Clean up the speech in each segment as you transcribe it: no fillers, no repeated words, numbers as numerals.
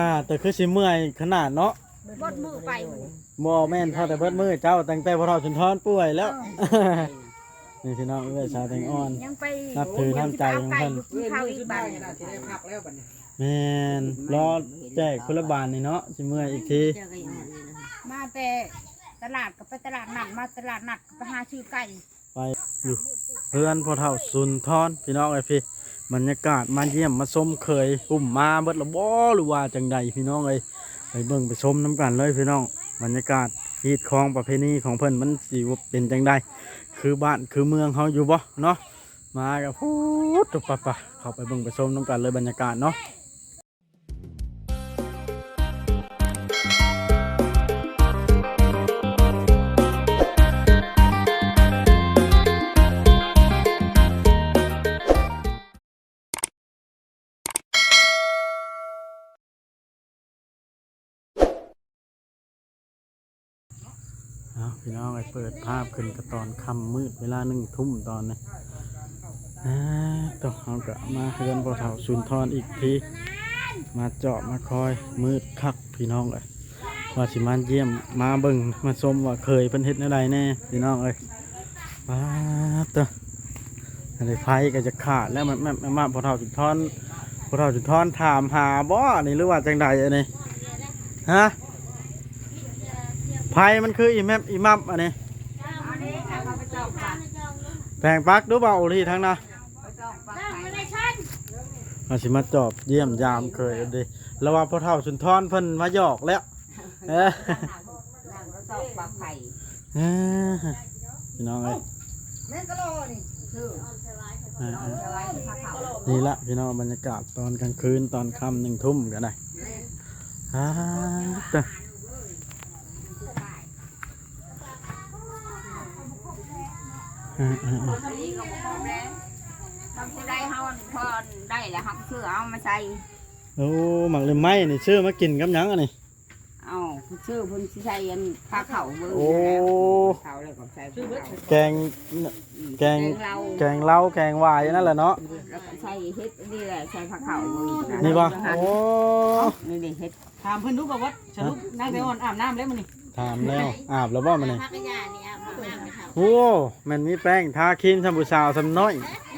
แต่คือสิเมื่อยขนาดเนาะบดมือไปบ่แม่นเท่าแต่เบิดมือเจ้าตั้งแต่พอเราจนท้อนป่วยแล้วนี่พี่น้องเอ้ยชาวแตงอ่อนยังไปนับถือน้ำใจของเพิ่นข้าวอีกบ้านแม่นรอแจกคนละบาทนี่เนาะสิเมื่อยอีกทีมาแต่ตลาดกับไปตลาดนัดมาตลาดนัดไปหาชื่อไก่ไปอยู่เพื่อนพอเท่าสุนทรพี่น้องไอ้พี่บรรยากาศมาเยี่ยมมาชมเคยปุ่มมาเบิดละบ่หรือว่าจังใดพี่น้องเอ้ยไปเบิ่งไปชมน้ำกันเลยพี่น้องบรรยากาศฮีดคองประเพณีของเพิ่นมันสิเป็นจังใดคือบ้านคือเมืองเฮาอยู่บ่เนาะมากับพูดตุปะเข้าไปเบิ่งไปชมน้ำกันเลยบรรยากาศเนาะพี่น้องไปเปิดภาพขึ้นกระตอนค่ำมืดเวลา1 ทุ่มตอนนี้ต้องเอากะมาเฮือนพอเท่าสุนทรอีกทีมาเจาะมาคอยมืดคักพี่น้องเลยว่าสิมาเยี่ยมมาเบิ่งมาชมว่าเคยเพิ่นเฮ็ดอะไรแน่พี่น้องเอ้ยมาตัวอะไรไฟก็จะขาดแล้วมันมาพอเท่าสุนทรถามหาบ่นี่หรือว่าจังใดอันนี้ฮะไผ่มันคืออีมัมอันนี้แปลงปักดูเปล่าที่ทั้งนะมาสิมาจอบเยี่ยมยามเคยดิแล้วว่าพ่อเฒ่าสุนทรเพิ่นมาหยอกแล้วพี่น้องเอ้ยนี่ละพี่น้องบรรยากาศตอนกลางคืนตอนค่ำ1 ทุ่มกันได้ได้เฮาพอได้แล้วครับชื่อเอามาใส่โอ้หมักเลยไม้นี่ชื่อมากินกับยังอันนี้เอาชื่อพุ่นใส่ยันผ้าเข่าเบอร์เขาเลยก็ใส่แกงเล้าแกงวายนั่นแหละเนาะแล้วก็ใส่เฮ็ดนี่แหละใส่ผ้าเข่านี่ป่ะโอ้นี่ดิเฮ็ดถามเพิ่นรู้ป่ะว่าสรุปนางไปอ่อนอาบน้ำแล้วมื้อนี้ถามแล้วอาบแล้วบ่มื้อนี้โอ้มันมีแป้งทาครีมชมพูสาวสำน้อย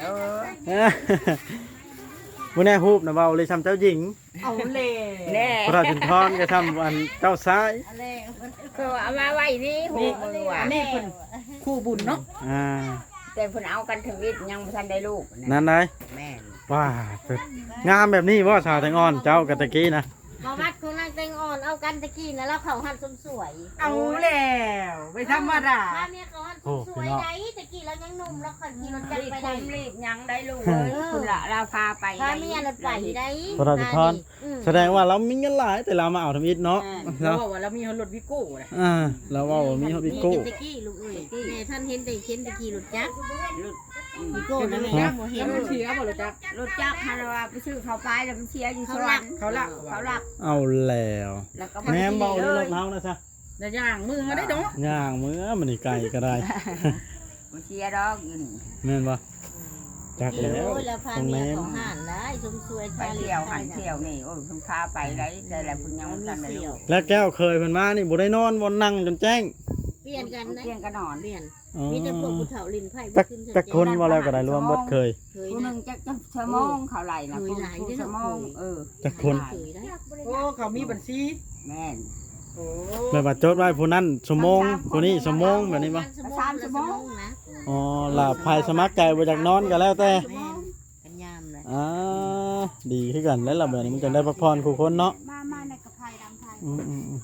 มื้อนี้ฮูบนะเว้าเลยทำเจ้าหญิงเอาเลยแน่พระจุนทรก็ทำอันเจ้าซ้ายก็เอามาไว้นี่ฮูบมือว่ะนี่เพิ่นคู่บุญเนาะแต่เพิ่นเอากันถึงวิทย์ยังบ่ทันได้ลูกนั่นได้แม่ว้างามแบบนี้บ่ชาวแตงอ่อนเจ้ากะตะกี้นะมาวัดของนางแตงอ่อนเอากันตะกี้นะแล้วเขาหันสมสวยเอาแล้วไม่ธรรมดาถ้าเมียเขาหันสมสวยได้ตะกี้เรายังหนุ่มแล้วคนขี่รถจักรไปได้รีบยังได้ลูกเลยคุณละเราพาไปถ้าเมียรถไปได้พระจุนทรแสดงว่าเรามีเงินหลายแต่เรามาเอาทำอิฐเนาะเราบอกว่าเรามีรถวิโก้เลยเราว่ามีรถวิโก้ตะกี้ลูกเอ้ยแม่ท่านเห็นแต่เห็นตะกี้รถจักรวิโก้นั่นแหละเห็นรถเชียร์บ่รถจักรฮาราไปซื้อเขาไปแล้วมันเชียร์อยู่สวรรค์เขาลักเอาแล้วแม่เบาเลยรถเท้านะจ๊ะแต่ย่างมือได้ดอกย่างมือมันนี่ไก่ก็ได้มันเชียร์ดอกอยู่นี่แม่นบ่จักแล้วตรงนี้ของหันได้สมสวยไปเที่ยวหันเที่ยวนี่โอ้ยคุณพาไปได้แต่ละคุณยังไม่ทันได้ลูกแล้วแก้วเคยเพิ่นมานี่บ่ได้นอนบ่นั่งจนแจ้งเปลี่ยนกันนะเปลี่ยนกันนอนเปลี่ยนมีแต่พวกผู้เฒ่าลิ้นไผ่แต่คนว่าแล้วก็ได้รวมหมดเคยผู้นึงจะชั่วโมงเขาไหลนะผู้ชั่วโมงแต่คนโอ้เขามีบัญชีแม่นโอ้แบบว่าจดไว้ผู้นั้นชั่วโมงผู้นี้ชั่วโมงแบบนี้บ่ 3 ชั่วโมงนะอ๋อล่ะภายสมัครใจบ่จากนอนก็แล้วแต่กันยามเลยดีคือกันแล้วล่ะแบบนี้มันจะได้พักผ่อนคู่คนเนาะมาในกระไพดำไทย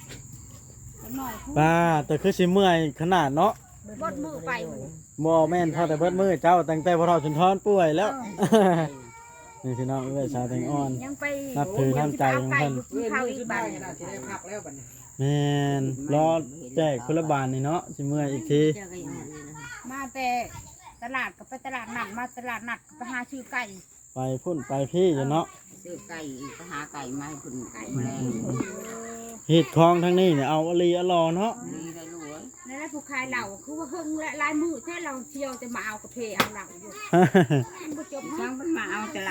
ป้าแต่คือสิเมื่อยขนาดเนาะบดมือไปบ่แม่นเท่าแต่เบิดมือเจ้าตั้งแต่พอเราจนท้อนป่วยแล้วนี่พี่น้องเอ้ยชาวแตงอ่อนนับถือน้ำใจของเพิ่นแม่นรอแจกคนละบาทนี่เนาะสิเมื่อยอีกทีมาแต่ตลาดกับไปตลาดนัดมาตลาดนัดไปหาชื่อไก่ไปพุ่นไปพี่อยู่เนาะซื้อไก่ไปหาไก่มาให้คุณไก่เห็ดคลองทั้งนี้เนี่ยเอาอลีอลอเนาะนี่แหละผู้ขายเหล่าคือว่าเฮิงและลายมือแค่เราเที่ยวจะมาเอากระเพาะเอาเหล่าอยู่ผู้จบช่างมันมาเอาแต่เหล่า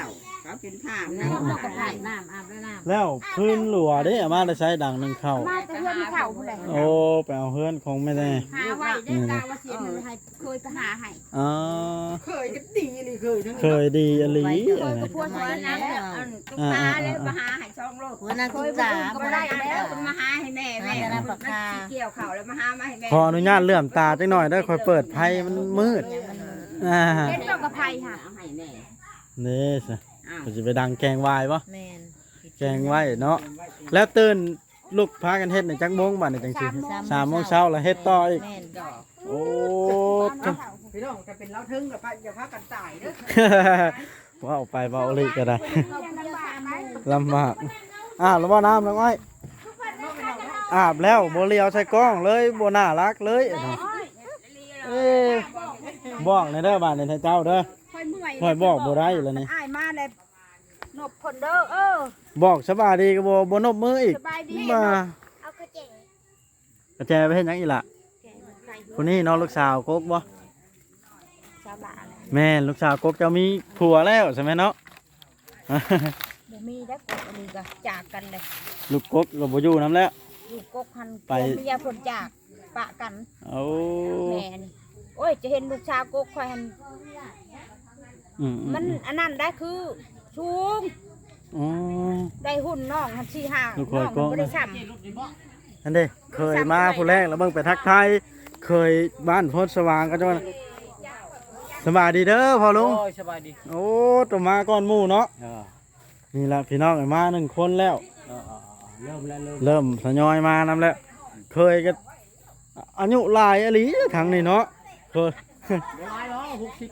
เขาเป็นผ้าน้ำเราก็อาบน้ำอาบแล้วน้ำแล้วพื้นหลัวเด้อามาได้ใช้ดังหนึงเข้ามาแต่เพื่อนเข่าผู้ใดโอ้ไปเอาเฮือนของแม่แน่หาไว้ได้กาว่าเสียเงินให้เคยไปหาให้อ๋อเคยก็ดีนี่เคยทั้งเคยดีอหลีเคยกับพวกนั้นนะตุ๊กตาเลยมาหาให้ช่องโลดหัวหน้าเคคุณยไปตาดูก็ไม่ได้แล้วมันมาหาให้แม่แม่เกี่ยวเข่าแล้วมาหามาให้แม่ขออนุญาตเลื่อมตาจักหน่อยเด้อค่อยเปิดไพ่มันมืดอ่าเล่นเจ้ากับไผ่ค่ะให้แม่นี่สิก็จะไปดังแกงวายปะแม่นแกงไว้เนาะแล้วตื่นลูกพากันเฮ็ดในจักโมงบัดนี่จังซี่3 โมงเช้าแล้วเฮ็ดต่ออีกแม่นโอ้พี่น้องจะเป็นเล้าทึ่งกับป้าอย่าพากันตายเด้อว่าเอาไปเบาอีกก็ได้เขาเลี้ยงปลาไหมลำบากแล้วบ่น้ำแล้วอ้อยอาบแล้วบ่เลียวใส่กล้องเลยบ่น่ารักเลยเอ้ยบอกในเด้อบ้านในเจ้าเด้อค่อยเมื่อยค่อยบอกบ่ได้แล้วนี่อ้ายมาเลยนบคนเด้อบอกสบายดีก็บ่นบมืออีกสบายดีมาเอากระเจ๋งกระแจไปเฮ็ดหยังอีกล่ะคนนี้น้องลูกสาวกกบ่ชาวบ้านเลยแม่นลูกสาวกกเจ้ามีผัวแล้วใช่ไหมเนาะบ่มีได้กบอันนี้ก็จากกันเลยลูกกกก็บ่อยู่นํแล้วลูกกกหันไปเมียคนจากปะกันเอาแม่นี่โอ้ยจะเห็นลูกชาวกกคอยหันอืมมันอันนั้นได้คือชูงอ๋อได้หุ่นน้องหันสี่ห้าลูกคน้อยองกมันกบ่ได้ซ้นั่นเด้เคยมาผู้แรกแล้วเบิ่งไปทักทายเคยบ้านโพธิ์สว่างก็จะว่าสบายดีเด้อพ่อลุงโอ้ยสบายดีโอ้ตัวมาก่อนหมู่เนาะนี่ละพี่น้องมา1 คนแล้วเริ่มแล้วเริ่มทยอยมานำแล้ว เคยก็อายุหลายอหลีทางนี้เนาะเคยร้อยแล้ว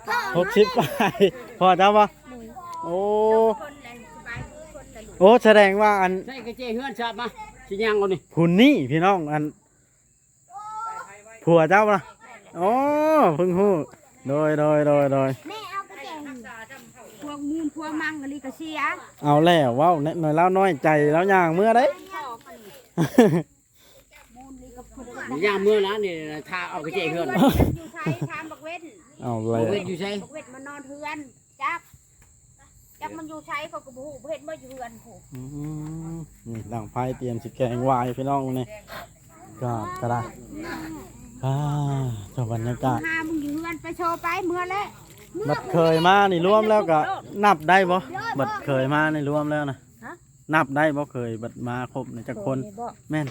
60 60 ไปพอจ้าปะโอ้ำคนเลยสบายดีคนเลยลูกโอ้แสดงว่าอันใช่กระเจี๊ยเฮือนชาบมาสิยังเอานี่คุณนี่พี่น้องอันผัวเจ้าปะโอ้เพิ่งฮู้โดยแม่เอากระเจ๋งพวกมูลพวกมังกะลีกะเสียเอาแล้วเว้าหน่อยแล้วน้อยใจแล้วย่างเมื่อได้มูลลีกับคนย่างเมื่อนะนี่ทาเอากระเจี๊ยเฮือนอยู่ใช้ทานบักเว้นเอาแล้เอาวเวทอยู่ใช่บักเว้นมานอนเฮือนจักมันอยู่ใช้เขาก็บ่ฮู้บ่เฮ็ดบ่อยู่เฮือนผู้นี่ดังไพ่เตรียมสิแกงวายพี่น้องนี่ก็ได้บรรยากาศหามึงอยู่เฮือนไปโชว์ไปเมื่อแล้วบัดเคยมานี่รวมแล้วก็นับได้บ่บัดเคยมานี่รวมแล้วนะนับได้บ่เคยบัดมาครบในจักคนแม่น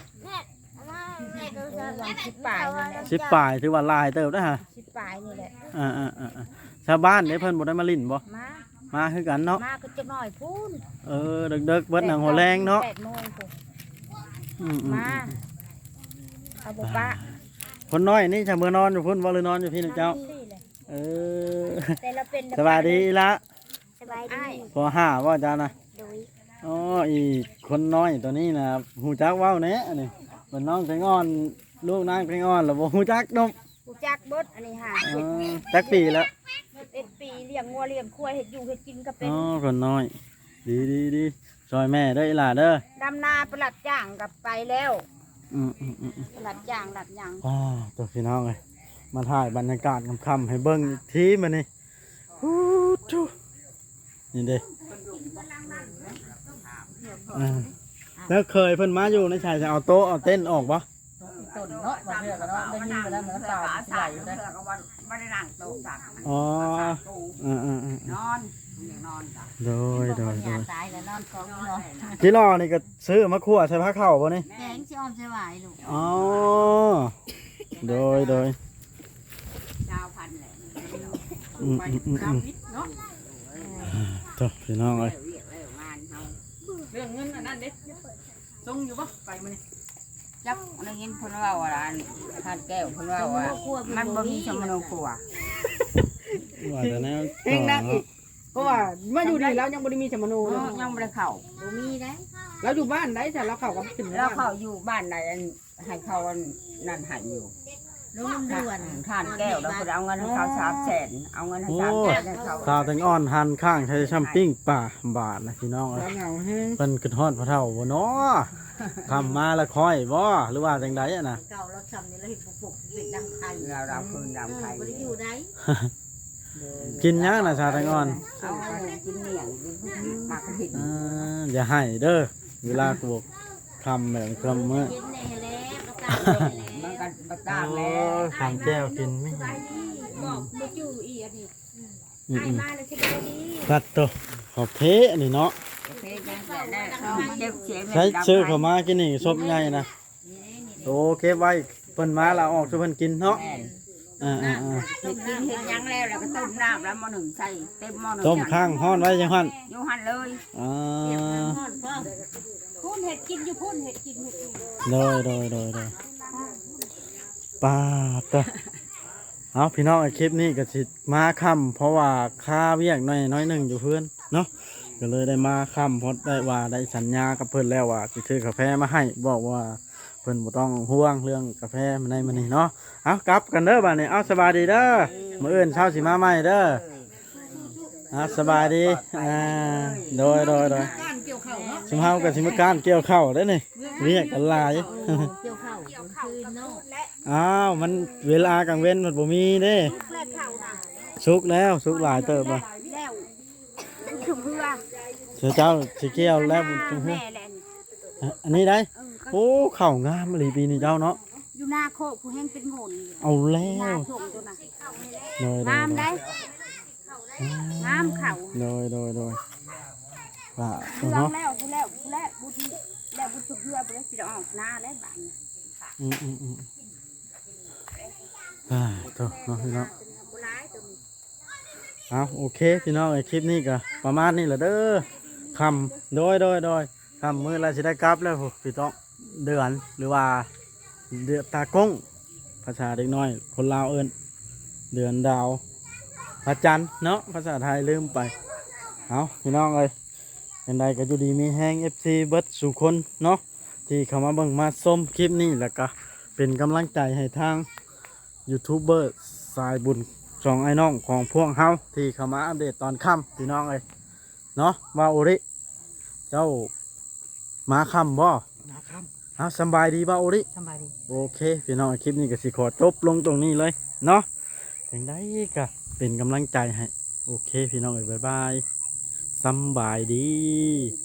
10 ปลายนี่แหละ 10 ปลายถือว่าหลายเติบได้อฮะ 10 ปลายนี่แหละชาวบ้านได้เพิ่นบ่ได้มาลิ้นบ่มามาคือกันเนาะมาก็จักหน่อยพูนเด็กๆเบิดหนังหัวแรงเนาะ 8 โมงพูนอืมมาเอาบ่ปะคนน้อยนี่จะมื้อนอนอยู่พุ่นบ่หรือนอนอยู่พี่นะเจ้านี่แหละเออแต่เราเป็นสบายดีละสบายดีพอห้าว่าจ้านะโดยอ๋ออีคนน้อยตัวนี้นะหูจักเว้าแหน่นี่เป็นน้องแตงอ่อนลูกนางแตงอ่อนแล้วบ่หูจักนมกูจักเบิดอันนี้หาจักปีแล้ว 11 ปีเลี้ยงงัวเลี้ยงควายเฮ็ดอยู่เฮ็ดกินก็เป็นอ๋อคนน้อย ดีซอยแม่เด้ออีหล่าเด้อดำนาประหลัดจ้างกับไปแล้วอืมประหลัดจ้างหลัดหยังตัวพี่น้องเอ้ยมาถ่ายบรรยากาศค่ำๆให้เบิ่งอีกทีมื้อนี้ฮู้ทูนี่เด้แล้วเคยเพิ่นมาอยู่ในชายจะเอาโต๊ะเอาเต้นท์ออกบ่ต้นเนาะมาเพื่อกันเนาะได้ยินไปแล้วเหมือนตาสิไหลอยู่ได้บ่ได้นั่งโต๊ะสักอ๋ออ่านอนนอนจ้ะโดยตายแล้วนอนกองนอนจิรอนี่ก็ซื้อมาคั่วใส่ผ้าข้าวบ่นี่แกงสิอ้อมสิหวายลูกอ๋อโดยชาวพันธุ์แหละเนาะตัวพี่น้องเอ้ยงานเฮาเรื่องเงินอันนั้นเด็ดทรงอยู่ปะไปมานี่จักได้ยินเพิ่นเว้าว่าอันทานแก้วเพิ่นเว้าว่ามันบ่มีสมโนครัวว่าแต่แนวเองนะอีกเพราะว่ามาอยู่นี่เรายังบ่ได้มีสมโนเลยยังบ่ได้เข้าบ่มีได้เราอยู่บ้านได้แต่เราเข้ากับถึงแล้วเข้าอยู่บ้านใดอันให้เขาอันนั่นให้อยู่ลงน้ำด่วนทานแก้วแล้วเพิ่นเอาเงินให้เขา300,000เอาเงินให้โอ้ 300,000ให้เขาข้าวแตงอ่อนหั่นข้างใช้ชัมปิ้งป่าบาทนะพี่น้องเอ้ยเราเหงาแห้งเพิ่นขึ้นฮอดพระเฒ่าบ่เนาะทำมาแล้วค่อยบ่หรือว่าจังไดอะนะเก่าเราทำนี่เราเห็นปุกๆเป็นดังไทยเราคืนดำไข่บ่ได้อยู่ได้กินยังน่ะชาแตงอ่อนเอากินเหนียงหมักเห็ดอย่าให้เด้อเวลากูบอกคำแบบคำเมื่อกินแน่แล้วก็ตามแน่มันกันบักดาโอ้แล้วทำแก้วกินไม่บอกบ่อยู่อีอันนี้อืมมาแล้วสบายดีตัดตัวขอบเทอันนี้เนาะเพชรยังแต่ได้เจ็บเสียใช้ซื้อเข้ามากินนี่ซบใหญ่นะโอเคไว้เพิ่นมาแล้วออกช่วยเพิ่นกินเนาะอ่าเห็ดกินเห็ดยังแล้วแล้วก็ต้มน้ำแล้วหม้อหนึ่งใส่เต็มหม้อหนึ่งต้มข้างห้อนไว้จังหันอยู่หันเลยอ่าพ่อนพ่อพูนเห็ดกินอยู่พูนเห็ดกินอยู่โดยปาดเด้อเอาพี่น้องไอ้คลิปนี้ก็สิมาค่ำเพราะว่าค่าเวียกน้อยหนึงอยู่เพื่อนเนาะก็เลยได้มาค่ำเพราะได้ว่าได้สัญญากับเพิ่นแล้วว่าสิซื้อกาแฟมาให้บอกว่าเพิ่นบ่ต้องห่วงเรื่องกาแฟมันในมันนี่เนาะเอากลับกันเด้อบัดนี้เอาสบายดีเด้อมื้ออื่นเช้าสิมาใหม่เด้อสบายดีโดยการเกี่ยวข้าวเนาะสมเฮากับสิมาการเกี่ยวข้าวได้อนี่เรียกกันหลายเกี่ยวข้าวคืนเนาะอ้าวมันเวลากลางเว้นมันบ่มีเด้แลกข้าวน่ะสุกแล้วสุกหลายเติบบ่แล้วชุบเพื่อเสือเจ้าสิเกี่ยวแล้วบุญจุงเฮือแม่แหละอันนี้ได้โอ้ข้าวงามอีหลีปีนี้เจ้าเนาะอยู่หน้าโคกผู้แห้งเป็นงนเอาแล้หน้าว ส่งตัวน่ะโดยงามได้งามเข่าโดยว่าลองเนาะแล้วผู้แล้วบุญแล้วบุญชุบเพื่อไปแล้วสิออกหน้าแล้วบ้านอืมตัวเนาะพี่น้องผู้ร้ายตัวนี้เอาโอเคพี่น้องไอ้คลิปนี้ก็ประมาณนี้แหละเด้อคำโดยคำมื้อไรสิได้กลับแล้วพี่ต้องเดือนหรือว่าเดือนตากงภาษาเด็กน้อยคนลาวเอิ้นเดือนดาวพระจันทร์เนาะภาษาไทยลืมไปเอาพี่น้องเอ้ยเป็นใดก็อยู่ดีมีแห้ง FC เบิดสู่คนเนาะที่เข้ามาเบิ่งมาชมคลิปนี้แล้วก็เป็นกำลังใจให้ทางยูทูบเบอร์สายบุญสองไอ้น้องของพวกเฮาที่เข้ามาอัปเดตตอนค่ำพี่น้องเอ้ยเนาะว่าโอริเจ้ามาค่ำบ่นะครับเอาสำบายดีบ่าโอริสบายดีโอเคพี่น้องคลิปนี้ก็สิขอจบลงตรงนี้เลยเนาะอย่างใดก็เป็นกำลังใจให้โอเคพี่น้องเอ้ยบ๊ายบายสำบายดี